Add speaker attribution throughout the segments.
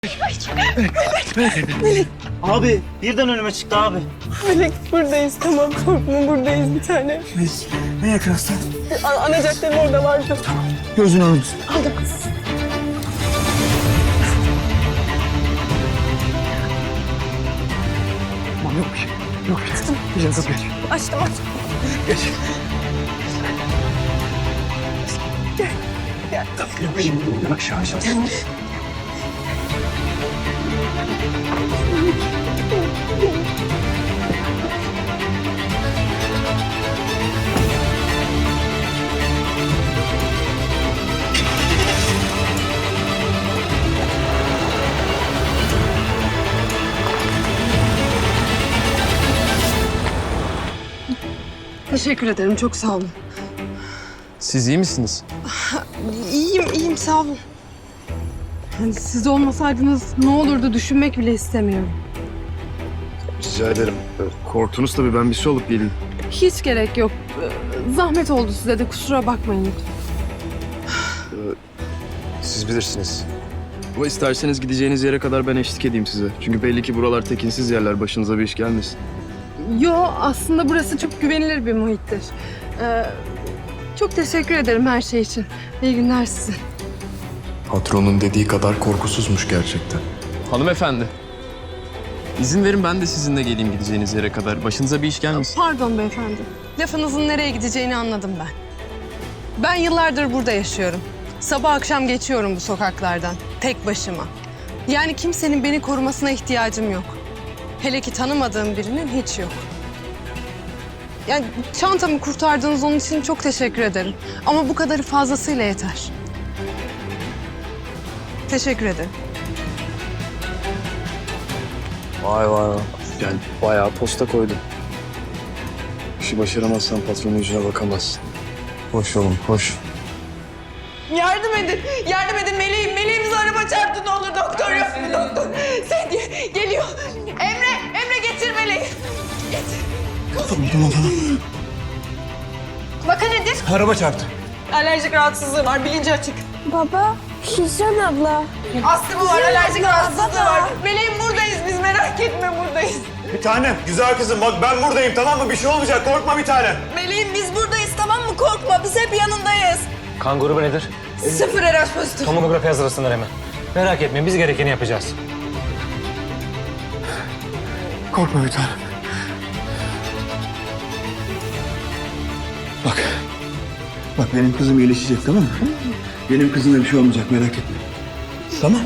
Speaker 1: Abi birden önüme çıktı abi.
Speaker 2: Melek buradayız, tamam, korkma, buradayız bir tane.
Speaker 1: Ne yakınsın?
Speaker 2: Ana caddenin orada vardı.
Speaker 1: Gözünü alın.
Speaker 2: Aldım.
Speaker 1: Tamam yok bir şey. Yok bir şey. Güzel kız geç.
Speaker 2: Açtım.
Speaker 1: Geç.
Speaker 2: Gel.
Speaker 1: Yok bir şey. Yavaş yavaş.
Speaker 2: Teşekkür ederim, çok sağ olun.
Speaker 3: Siz iyi misiniz?
Speaker 2: İyiyim, sağ olun. Yani siz olmasaydınız ne olurdu düşünmek bile istemiyorum.
Speaker 3: Rica ederim. Korktunuz tabii, ben bir su alıp geleyim.
Speaker 2: Hiç gerek yok. Zahmet oldu size de, kusura bakmayın lütfen.
Speaker 3: Siz bilirsiniz. Ama isterseniz gideceğiniz yere kadar ben eşlik edeyim size. Çünkü belli ki buralar tekinsiz yerler, başınıza bir iş gelmesin.
Speaker 2: Yo, aslında burası çok güvenilir bir muhittir. Çok teşekkür ederim her şey için. İyi günler size.
Speaker 4: Patronun dediği kadar korkusuzmuş gerçekten.
Speaker 3: Hanımefendi. İzin verin ben de sizinle geleyim gideceğiniz yere kadar. Başınıza bir iş gelmesin.
Speaker 2: Pardon beyefendi. Lafınızın nereye gideceğini anladım ben. Ben yıllardır burada yaşıyorum. Sabah akşam geçiyorum bu sokaklardan. Tek başıma. Yani kimsenin beni korumasına ihtiyacım yok. Hele ki tanımadığım birinin hiç yok. Yani çantamı kurtardığınız onun için çok teşekkür ederim. Ama bu kadarı fazlasıyla yeter. Teşekkür ederim.
Speaker 3: Vay vay vay. Yani bayağı posta koydum. İşi başaramazsan patronun yüzüne bakamazsın. Hoş oğlum, hoş.
Speaker 2: Yardım edin, yardım edin. Meleğimiz araba çarptı, ne olur doktor yok. Doktor, Sedye geliyor. Emre getir meleği.
Speaker 1: Tamam.
Speaker 2: Vaka nedir?
Speaker 1: Araba çarptı.
Speaker 2: Alerjik rahatsızlığı var, bilinci açık.
Speaker 5: Baba, Hicran abla.
Speaker 2: Astımı var, alerjik rahatsızlığı var. Meleğim buradayız biz, merak etme buradayız.
Speaker 6: Bir tanem, güzel kızım bak ben buradayım tamam mı? Bir şey olmayacak korkma bir tanem.
Speaker 2: Meleğim biz buradayız, tamam mı? Korkma, biz hep yanındayız.
Speaker 7: Kan grubu nedir?
Speaker 2: 0 RH pozitif.
Speaker 7: Tomografi hazırlasınlar hemen. Merak etmeyin, biz gerekeni yapacağız.
Speaker 1: Korkma bir tanem. Bak benim kızım iyileşecek tamam mı? Benim kızımda bir şey olmayacak merak etme. Tamam.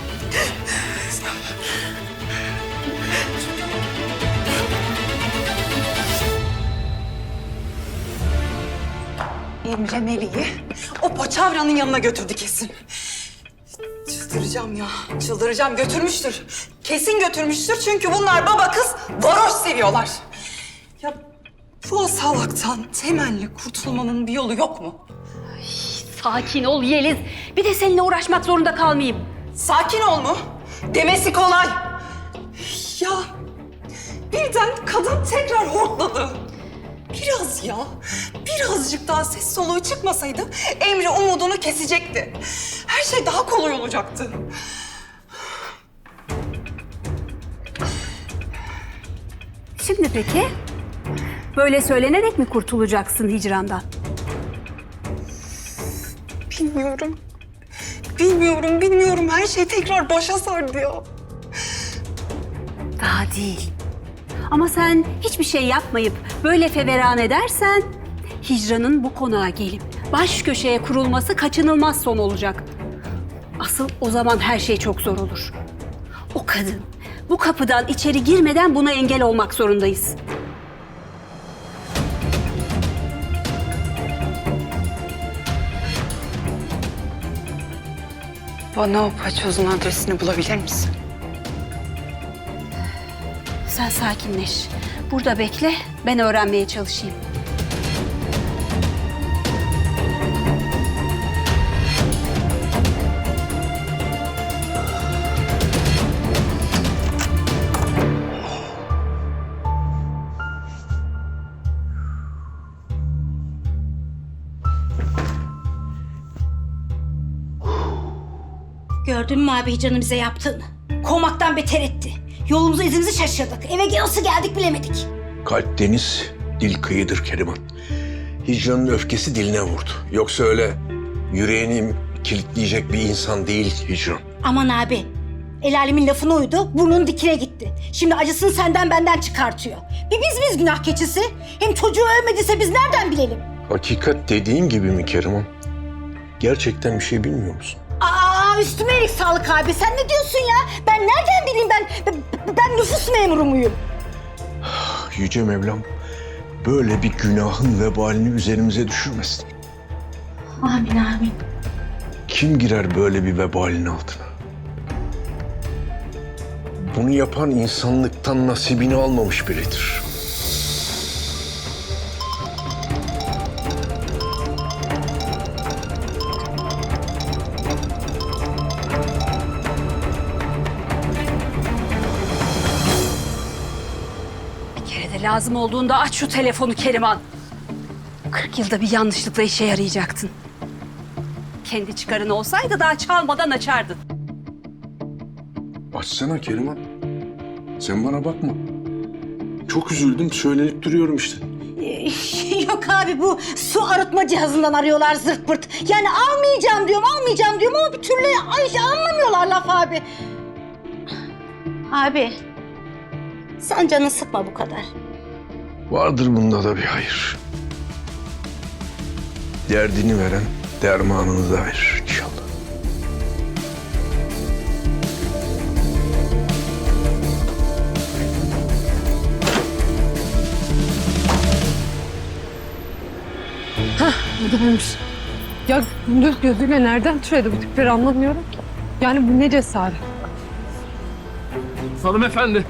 Speaker 8: Emre Melih'i o paçavranın yanına götürdü kesin. Çıldıracağım ya, çıldıracağım. Götürmüştür. Kesin götürmüştür çünkü bunlar baba kız varoş seviyorlar. Ya bu salaktan temelli kurtulmanın bir yolu yok mu?
Speaker 9: Sakin ol Yeliz. Bir de seninle uğraşmak zorunda kalmayayım.
Speaker 8: Sakin ol mu? Demesi kolay. Ya birden kadın tekrar hortladı. Biraz ya, birazcık daha ses soluğu çıkmasaydı Emre umudunu kesecekti. Her şey daha kolay olacaktı.
Speaker 9: Şimdi peki? Böyle söylenerek mi kurtulacaksın hicrandan?
Speaker 8: Bilmiyorum. Bilmiyorum. Her şey tekrar başa sardı ya.
Speaker 9: Daha değil. Ama sen hiçbir şey yapmayıp böyle feveran edersen hicranın bu konağa gelip baş köşeye kurulması kaçınılmaz son olacak. Asıl o zaman her şey çok zor olur. O kadın bu kapıdan içeri girmeden buna engel olmak zorundayız.
Speaker 8: Bana o paçozun adresini bulabilir misin?
Speaker 9: Sen sakinleş. Burada bekle, ben öğrenmeye çalışayım.
Speaker 10: Gördün mü abi Hicran'ın bize yaptığını? Kovmaktan beter etti. Yolumuzu izimizi şaşırdık. Eve nasıl geldik bilemedik.
Speaker 11: Kalp deniz, dil kıyıdır Keriman. Hicranın öfkesi diline vurdu. Yoksa öyle yüreğini kilitleyecek bir insan değil Hicran.
Speaker 10: Aman abi. El alemin lafına uydu, burnunun dikine gitti. Şimdi acısını senden benden çıkartıyor. Bir biz günah keçisi. Hem çocuğu ölmediyse biz nereden bilelim?
Speaker 11: Hakikat dediğin gibi mi Keriman? Gerçekten bir şey bilmiyor musun?
Speaker 10: Aa üstüme iyilik sağlık abi. Sen ne diyorsun ya? Ben nereden bileyim ben nüfus memuru muyum?
Speaker 11: Yüce Mevlam böyle bir günahın vebalini üzerimize düşürmesin.
Speaker 10: Amin amin.
Speaker 11: Kim girer böyle bir vebalin altına? Bunu yapan insanlıktan nasibini almamış biridir.
Speaker 9: Bir kere de lazım olduğunda aç şu telefonu Keriman. 40 yılda bir yanlışlıkla işe yarayacaktın. Kendi çıkarın olsaydı daha çalmadan açardın.
Speaker 11: Açsana Keriman. Sen bana bakma. Çok üzüldüm, söylenip duruyorum işte.
Speaker 10: Yok abi bu su arıtma cihazından arıyorlar zırt pırt. Yani almayacağım diyorum ama bir türlü anlamıyorlar laf abi. Abi sen canını sıkma bu kadar.
Speaker 11: Vardır bunda da bir hayır. Derdini veren dermanını da verir inşallah.
Speaker 2: Adammış. Ya gündüz gözüyle nereden türedi bu tipleri anlamıyorum ki. Yani bu ne cesaret.
Speaker 3: Hanımefendi.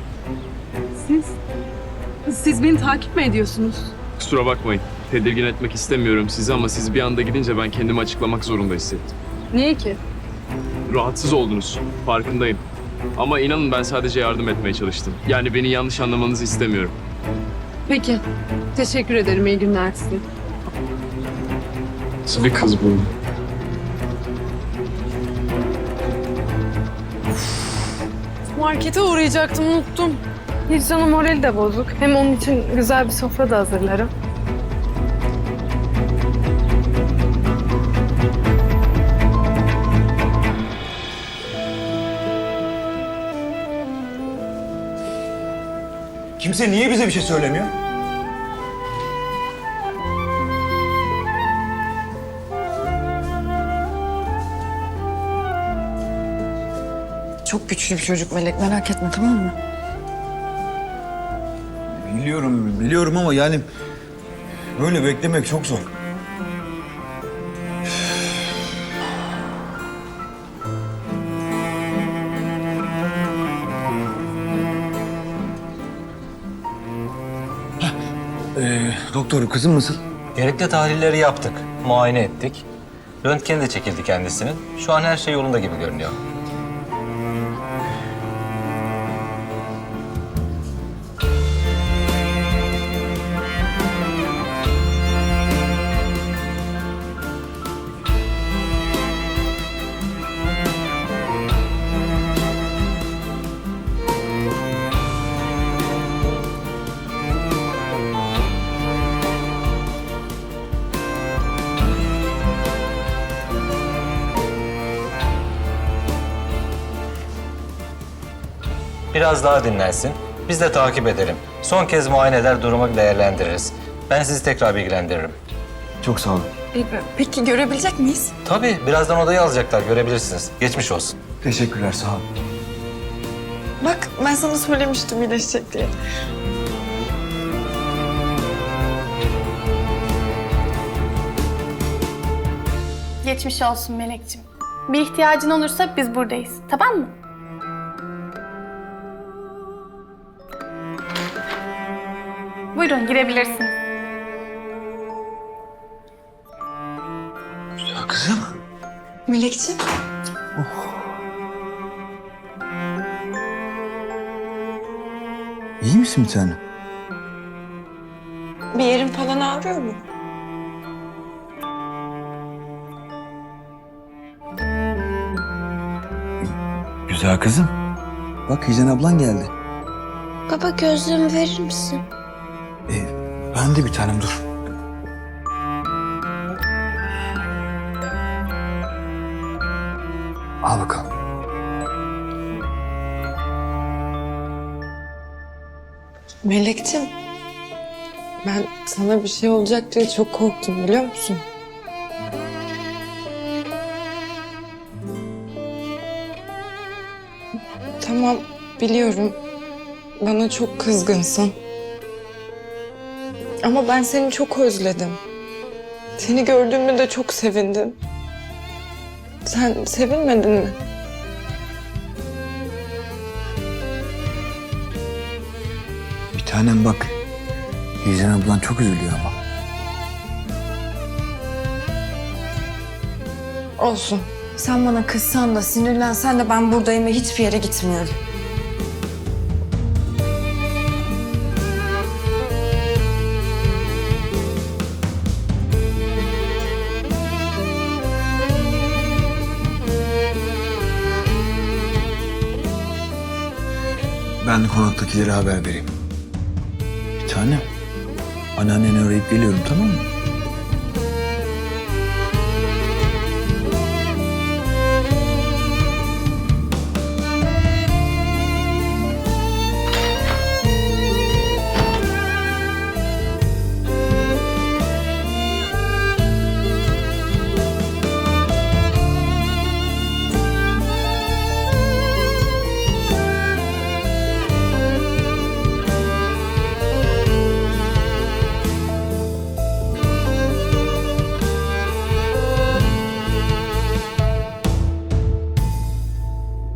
Speaker 2: Siz beni takip mi ediyorsunuz?
Speaker 3: Kusura bakmayın. Tedirgin etmek istemiyorum sizi ama siz bir anda gidince ben kendimi açıklamak zorunda hissettim.
Speaker 2: Niye ki?
Speaker 3: Rahatsız oldunuz. Farkındayım. Ama inanın ben sadece yardım etmeye çalıştım. Yani beni yanlış anlamanızı istemiyorum.
Speaker 2: Peki. Teşekkür ederim. İyi günler size.
Speaker 3: Nasıl bir kız bu?
Speaker 2: Markete uğrayacaktım, unuttum. Hicran'ın morali de bozuk. Hem onun için güzel bir sofra da hazırlarım.
Speaker 1: Kimse niye bize bir şey söylemiyor?
Speaker 8: Çok güçlü bir çocuk Melek, merak etme tamam mı?
Speaker 1: Biliyorum ama yani böyle beklemek çok zor. Doktor kızım nasıl?
Speaker 7: Gerekli tahlilleri yaptık, muayene ettik. Röntgeni de çekildi kendisinin. Şu an her şey yolunda gibi görünüyor. Biraz daha dinlensin. Biz de takip edelim. Son kez muayene eder, durumu değerlendiririz. Ben sizi tekrar bilgilendiririm.
Speaker 1: Çok sağ olun.
Speaker 8: Peki görebilecek miyiz?
Speaker 7: Tabii, birazdan odayı alacaklar, görebilirsiniz. Geçmiş olsun.
Speaker 1: Teşekkürler sağ olun.
Speaker 8: Bak ben sana söylemiştim iyileşecek diye.
Speaker 5: Geçmiş olsun Melekciğim. Bir ihtiyacın olursa biz buradayız. Tamam mı? Buyurun girebilirsiniz.
Speaker 1: Ya kızım.
Speaker 8: Melekciğim.
Speaker 1: İyi misin bir tane?
Speaker 8: Bir yerin falan ağrıyor mu?
Speaker 1: Güzel kızım. Bak Hicran ablan geldi.
Speaker 12: Baba gözlüğümü verir misin?
Speaker 1: Ben de bir tanem dur. Al bakalım.
Speaker 2: Melek'cim, ben sana bir şey olacak diye çok korktum biliyor musun? Tamam, biliyorum. Bana çok kızgınsın. Ama ben seni çok özledim. Seni gördüğümde de çok sevindim. Sen sevinmedin mi?
Speaker 1: Bir tanem bak. Hicran ablan çok üzülüyor ama.
Speaker 2: Olsun. Sen bana kızsan da sinirlensen de ben buradayım ve hiçbir yere gitmiyorum.
Speaker 1: Ben de konaktakilere haber vereyim. Bir tanem. Anneanneni arayıp geliyorum tamam mı?